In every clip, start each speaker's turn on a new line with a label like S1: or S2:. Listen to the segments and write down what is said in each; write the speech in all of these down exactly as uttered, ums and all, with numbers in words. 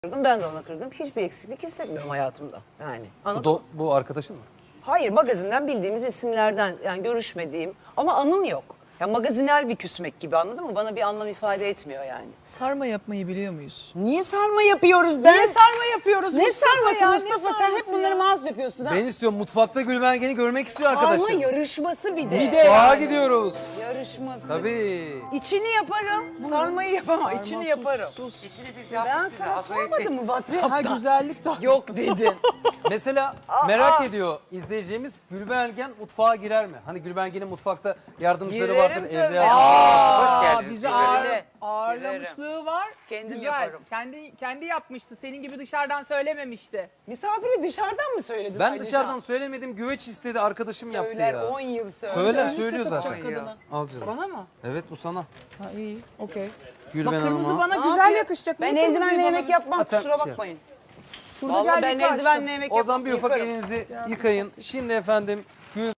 S1: kırdım, ben de ona kırdım. Hiçbir eksiklik hissetmiyorum hayatımda. Yani.
S2: Bu, do, bu arkadaşın mı?
S1: Hayır, magazinden bildiğimiz isimlerden, yani görüşmediğim ama anım yok. Ya magazinel bir küsmek gibi, anladın mı? Bana bir anlam ifade etmiyor yani.
S3: Sarma yapmayı biliyor muyuz?
S1: Niye sarma yapıyoruz ben?
S3: Niye sarma yapıyoruz
S1: Ne
S3: Mustafa
S1: sarması
S3: ya, ne
S1: Mustafa? Sen hep
S3: sarması
S1: bunları
S3: ya?
S1: mağaz yapıyorsun ha.
S2: Ben istiyorum mutfakta Gülbengen'i görmek istiyor
S1: Sarma
S2: arkadaşım.
S1: yarışması bir de.
S3: Bir de
S2: Sağa
S3: yani.
S2: gidiyoruz.
S1: Yarışması.
S2: Tabii.
S1: İçini yaparım, sarmayı yapamam. İçini yaparım.
S4: İçini biz
S1: Ben
S4: yaptık size.
S1: sana
S4: Hazır
S1: sormadım
S4: ettik.
S1: mı
S3: Ha
S1: WhatsApp'ta?
S3: güzellik de.
S1: Yok dedin.
S2: Mesela merak ediyor izleyeceğimiz, Gülbengen mutfağa girer mi? Hani Gülbengen'in mutfakta yardımcıları
S1: Girerim
S2: vardır
S1: tabii.
S2: evde.
S3: Aa,
S4: Hoş geldiniz.
S3: bizi
S4: Güzel.
S3: ağır,
S1: Girerim.
S3: ağırlamışlığı var.
S1: Kendim
S3: Güzel.
S1: yaparım.
S3: Kendi kendi yapmıştı. Senin gibi dışarıdan söylememişti.
S1: Misafiri dışarıdan mı söyledin?
S2: Ben
S1: Alişan?
S2: dışarıdan söylemedim, güveç istedi, arkadaşım yaptı
S1: Söyler,
S2: ya.
S1: on yıl söyler.
S2: Söyler,
S3: Önlük
S2: söylüyor
S3: de
S2: zaten.
S3: takacak kadına.
S2: Al canım.
S3: Bana mı?
S2: Evet, bu sana.
S3: Ha iyi. Okey.
S2: Gülben
S3: Bak kırmızı
S2: Hanım'a.
S3: bana
S1: Ne
S3: güzel
S1: yapayım?
S3: yakışacak.
S1: Ben
S3: Niye kırmızıyı
S1: eldivenle
S3: bana-
S1: yemek yapmam,
S2: Ha, sen
S1: kusura
S2: şey-
S1: bakmayın.
S3: Burada
S1: Vallahi
S3: gel
S1: ben
S3: bir kaşık.
S1: eldivenle yemek
S2: O
S1: yapmam.
S2: zaman bir ufak
S1: yıkarım.
S2: elinizi yıkayın. Şimdi efendim Gül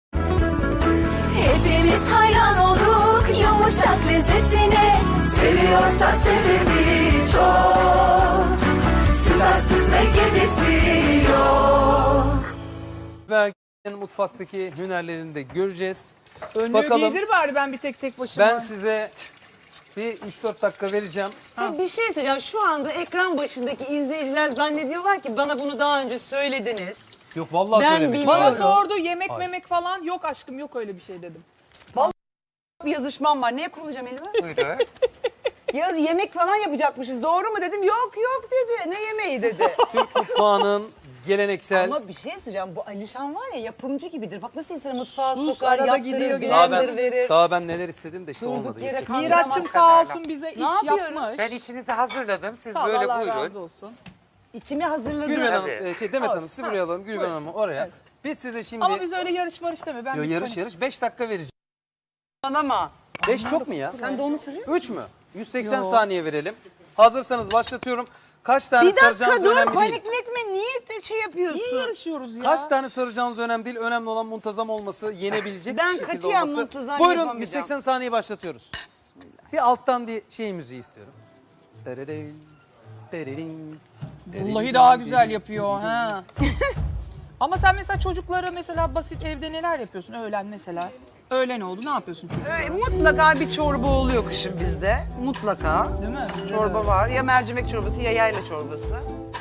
S5: Hepimiz hayran olduk yumuşak lezzetine. Seviyorsak sebebi çok. Sütarsız ve gibisi yok.
S2: Gülbengen'in mutfaktaki hünerlerini de göreceğiz.
S3: Önlüğü
S2: Bakalım.
S3: giydir bari ben bir tek tek başıma.
S2: Ben size bir üç dört dakika vereceğim.
S1: Ya bir şey söyleyeceğim. Şu anda ekran başındaki izleyiciler zannediyorlar ki bana bunu daha önce söylediniz.
S2: Yok vallahi
S1: Ben
S2: söylemedim.
S1: biliyorum.
S3: Bana sordu yemek
S2: Hayır.
S3: memek falan. Yok aşkım yok öyle bir şey dedim.
S1: Bir yazışmam var. Neye kurulacağım elime?
S4: Buyurun.
S1: Ya yemek falan yapacakmışız. Doğru mu dedim. Yok yok dedi. Ne yemeği dedi.
S2: Türk mutfağının geleneksel.
S1: Ama bir şey söyleyeceğim. Bu Alişan var ya, yapımcı gibidir. Bak nasıl insanı mutfağa
S3: Sus,
S1: sokar,
S3: arada
S1: yaptırır,
S3: gidiyor,
S2: daha
S1: blender
S2: ben,
S1: verir.
S2: daha ben neler istedim de işte
S1: Durduk
S2: olmadı.
S1: yere
S2: Yapacak.
S1: kan-
S3: Miraç'cığım sağ
S4: kadarıyla.
S3: olsun bize iç
S1: yapıyorum?
S3: yapmış.
S4: Ben içinizi hazırladım. Siz
S3: Sağ ol,
S4: böyle
S3: Allah
S4: buyurun.
S3: razı olsun.
S1: İçimi hazırladım.
S2: Gülben Hanım,
S4: Tabii.
S2: e, şey Demet
S3: Al.
S2: Hanım sizi
S3: Ha,
S2: buraya alalım. Gülben
S3: buyurun.
S2: Hanım'ı oraya.
S3: Evet.
S2: Biz size şimdi
S3: Ama biz öyle yarış marış deme. Ben
S2: Yo,
S3: bir
S2: yarış
S3: tane-
S2: yarış beş dakika vereceğim.
S1: Ama
S2: beş çok mu ya?
S1: sen de onu söylüyor.
S2: üç mü? yüz seksen
S3: Yo.
S2: saniye verelim. Hazırsanız başlatıyorum. Kaç tane
S1: Bir dakika
S2: saracağınız
S1: dur,
S2: önemli değil.
S1: panikletme. Niye de şey yapıyorsun?
S3: Niye yarışıyoruz ya?
S2: Kaç tane saracağınız önemli değil. Önemli olan muntazam olması, yenebilecek
S1: Ben
S2: şekilde
S1: katiyen
S2: olması.
S1: muntazam
S2: Buyurun
S1: yapamayacağım.
S2: yüz seksen saniye başlatıyoruz. Bir alttan bir şey müziği istiyorum. Dererin, dererin, dererin,
S3: Vallahi daha güzel
S2: dererin.
S3: yapıyor ha. Ama sen mesela çocuklara mesela basit evde neler yapıyorsun? Öğlen mesela. Öğlen oldu ne yapıyorsun çocuklara?
S1: Ee, mutlaka bir çorba oluyor kışın bizde. Mutlaka.
S3: Değil mi? Bizde de
S1: Çorba
S3: öyle.
S1: var. Ya mercimek çorbası ya yayla çorbası.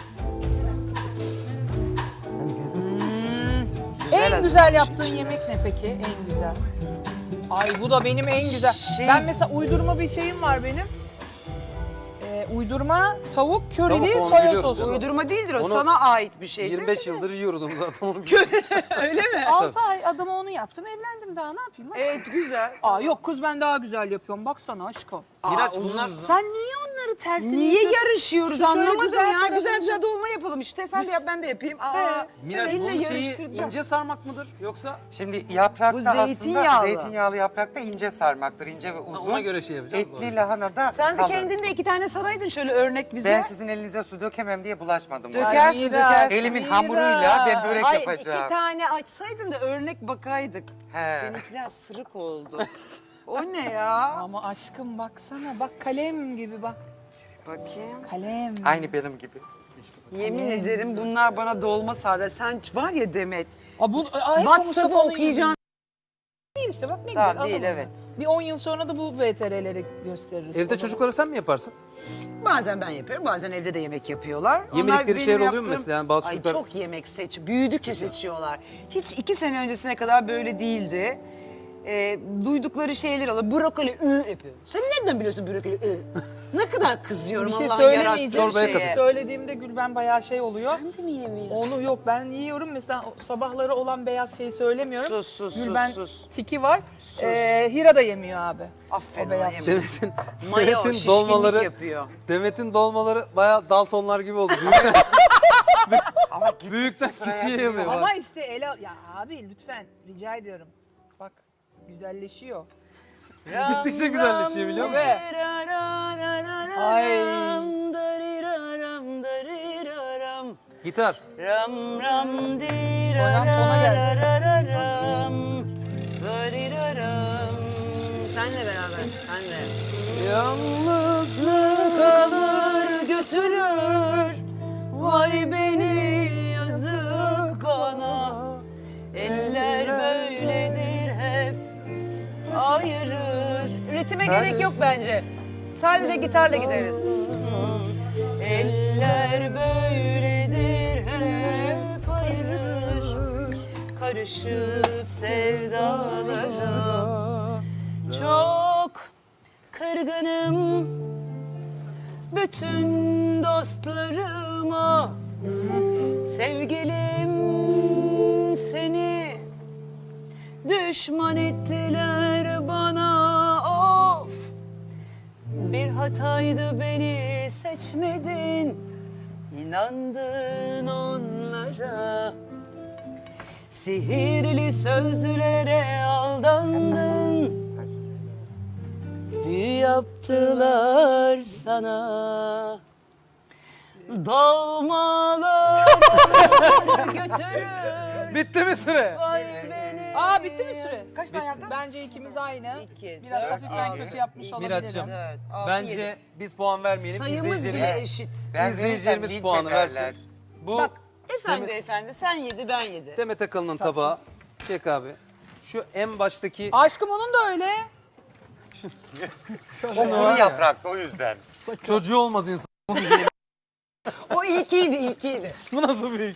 S3: En
S1: hazırlamış
S3: güzel yaptığın yemek ne peki? En güzel. Ay bu da benim en güzel.
S1: Şey-
S3: Ben mesela uydurma bir şeyim var benim. Ee, uydurma tavuk körili
S2: Tavuk, onu
S3: soya
S2: biliyoruz
S3: sosu.
S2: canım.
S1: Uydurma değildir o.
S2: Onu
S1: Sana ait bir şey
S2: yirmi
S1: değil
S2: beş
S1: mi?
S2: yıldır yiyoruz onu zaten onu biliyoruz.
S1: Öyle mi?
S3: altı ay adama onu yaptım evlendim daha ne yapayım?
S1: Evet, güzel.
S3: Aa yok kız ben daha güzel yapıyorum baksana aşkım.
S2: Miraç
S1: Aa,
S2: bunlar
S3: Sen niye onları tersine
S1: Niye
S3: yapıyorsun?
S1: yarışıyoruz
S3: Şu şöyle
S1: anlamadım
S3: güzel
S1: ya.
S3: tarafını
S1: Güzel
S3: çek.
S1: güzel dolma yapalım işte. Sen de yap, ben de yapayım. Aa,
S3: He.
S2: Miraç
S1: elle
S2: bunun şeyi
S1: yarıştıracağım.
S2: ince sarmak mıdır yoksa
S4: Şimdi yaprakta
S1: Bu zeytinyağlı.
S4: aslında zeytinyağlı yaprakta ince sarmaktır. İnce ve uzun.
S2: ona göre şey yapacağız?
S4: Etli lahana da
S1: Sen de
S4: kalın.
S1: kendin de iki tane saraydın şöyle örnek bize.
S4: Ben sizin elinize su dökemem diye bulaşmadım.
S1: Döker-
S4: ona.
S1: Dökersin,
S3: Miraç,
S1: dökersin.
S4: Elimin
S3: Miraç.
S4: hamuruyla ben börek
S1: Hayır,
S4: yapacağım.
S1: iki tane açsaydın da örnek bakaydık.
S4: He.
S1: Seninkiler sırık oldu. O ne ya?
S3: Ama aşkım baksana bak kalem gibi bak.
S1: Bakayım.
S3: Kalem.
S4: Aynı benim gibi.
S1: Yemin ederim bunlar bana dolma sardı. Sen var ya Demet.
S3: Aa, bu, ay,
S1: WhatsApp'ı
S3: Mustafa'nın
S1: okuyacağın.
S3: Değil işte bak ne
S1: Tamam,
S3: güzel.
S1: değil,
S3: alalım.
S1: evet.
S3: Bir on yıl sonra da bu V T R'leri gösteririz. O
S2: evde
S3: zaman.
S2: çocuklara sen mi yaparsın?
S1: Bazen ben yapıyorum, bazen evde de yemek yapıyorlar.
S2: Yemedikleri
S1: benim
S2: şeyler oluyor mu
S1: yaptığım-
S2: mesela? Yani bazı
S1: Ay
S2: çocuklar-
S1: çok yemek seç, büyüdükçe seçiyorlar. Hiç iki sene öncesine kadar böyle değildi. Ee, duydukları şeyler oluyor. Brokoli ı yapıyor. Sen nereden biliyorsun brokoli ı? Ne kadar kızıyorum
S3: Bir şey
S1: Allah'ın
S3: söylemeyeceğim.
S1: yarattığı
S2: Çorbaya
S1: şeye.
S2: katıl.
S3: Söylediğimde Gülben bayağı şey oluyor.
S1: Sen de mi yemiyorsun?
S3: Onu yok ben yiyorum mesela o sabahları olan beyaz şeyi söylemiyorum.
S1: Sus, sus, sus,
S3: Gülben
S1: sus.
S3: tiki var. Ee, Hira da yemiyor abi.
S1: Aferin
S3: O
S1: ona
S3: beyaz.
S1: yemiyor.
S2: Demet'in
S1: Maya o,
S2: Demet'in
S1: şişkinlik
S2: dolmaları
S1: yapıyor.
S2: Demet'in dolmaları bayağı Daltonlar gibi oldu. Büyükten,
S4: Ama
S2: büyükten
S4: sıraya
S2: küçüğe
S4: giriyor.
S2: yapıyor.
S3: Ama işte ele al- ya abi lütfen rica ediyorum. Bak güzelleşiyor.
S2: Gittikçe güzelleşiyor biliyor musun?
S3: Ve Ay.
S2: Gitar.
S1: Ram ram di
S3: Oynan tona gel.
S1: ram dariraram. Senle beraber, senle.
S2: Yalnızlık
S1: Yalnızlık alır götürür Sadece gitarla gideriz. Eller böyledir hep ayırır, karışıp sevdalara. Çok kırgınım bütün dostlarıma. Sevgilim seni düşman ettiler bana, of. Bir hataydı beni seçmedin, inandın onlara. Sihirli sözlere aldandın, büyü yaptılar sana. Dolmalar götürür.
S2: Bitti mi süre?
S1: Vay beni.
S3: Aa bitti mi süre?
S1: Kaç tane yaptın?
S3: Bence ikimiz aynı.
S1: İki,
S3: Biraz
S1: dört,
S3: hafiften
S1: altı.
S3: kötü yapmış olabilirim.
S2: Miraç'cığım,
S1: Evet, altı,
S2: bence
S1: yedi.
S2: biz puan vermeyelim.
S1: Sayımız bile
S2: İzleyicilerimiz,
S1: eşit.
S4: Ben
S2: izleyicilerimiz
S4: verirsem
S2: puanı
S4: linç ederler.
S2: versin. Bu
S1: Bak efendi
S2: Demet-
S1: efendi sen yedi ben yedi.
S2: Demet Akalın'ın tabağı. Çek abi. Şu en baştaki
S3: Aşkım onun da öyle.
S4: O kuru yapraklı o yüzden.
S2: çocuğu olmaz insan.
S1: O ilkiydi ilkiydi.
S2: Bu nasıl büyük?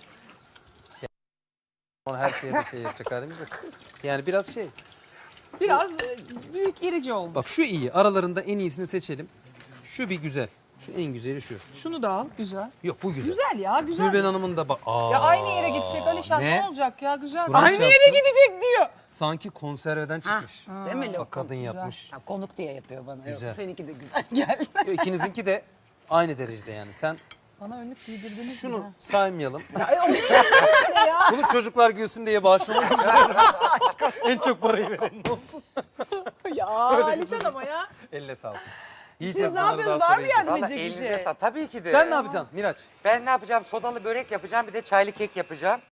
S2: Ona her şeye de şey yapacak halimiz yok. Yani biraz şey.
S3: Biraz e, büyük irici oldu.
S2: Bak şu iyi. Aralarında en iyisini seçelim. Şu bir güzel. Şu en güzeli şu.
S3: Şunu da al. Güzel.
S2: Yok bu güzel.
S3: Güzel ya güzel.
S2: Gülben Hanım'ın da bak. Aa,
S3: Ya aynı yere gidecek Alişan ne,
S2: ne?
S3: olacak ya güzel.
S2: Kur'an
S1: Aynı yere
S2: çarpsın.
S1: gidecek diyor.
S2: Sanki konserveden çıkmış.
S1: Değil mi
S2: Bak
S1: lokum?
S2: kadın yapmış.
S1: Ha, konuk diye yapıyor bana.
S2: Güzel.
S1: Yok, seninki de güzel geldi.
S2: Yo, İkinizinki de aynı derecede yani. Sen
S3: Bana önlük giydirdiniz mi
S2: şunu
S3: ya?
S2: saymayalım. Bunu çocuklar gülsün diye bağışlamak istiyorum. En çok parayı verenin olsun.
S3: Ya Alişan ama ya.
S2: Elle sağlık. Yiyeceğiz
S1: ne
S2: bunları
S1: yapıyorsunuz?
S2: daha
S1: Var
S2: sonra
S1: mı
S2: yiyeceğiz.
S1: yani?
S4: Valla
S1: Yiyecek bir
S4: elinize
S1: şey.
S4: sağ. Tabii ki de.
S2: Sen ne yapacaksın Miraç?
S4: Ben ne yapacağım? Sodalı börek yapacağım, bir de çaylı kek yapacağım.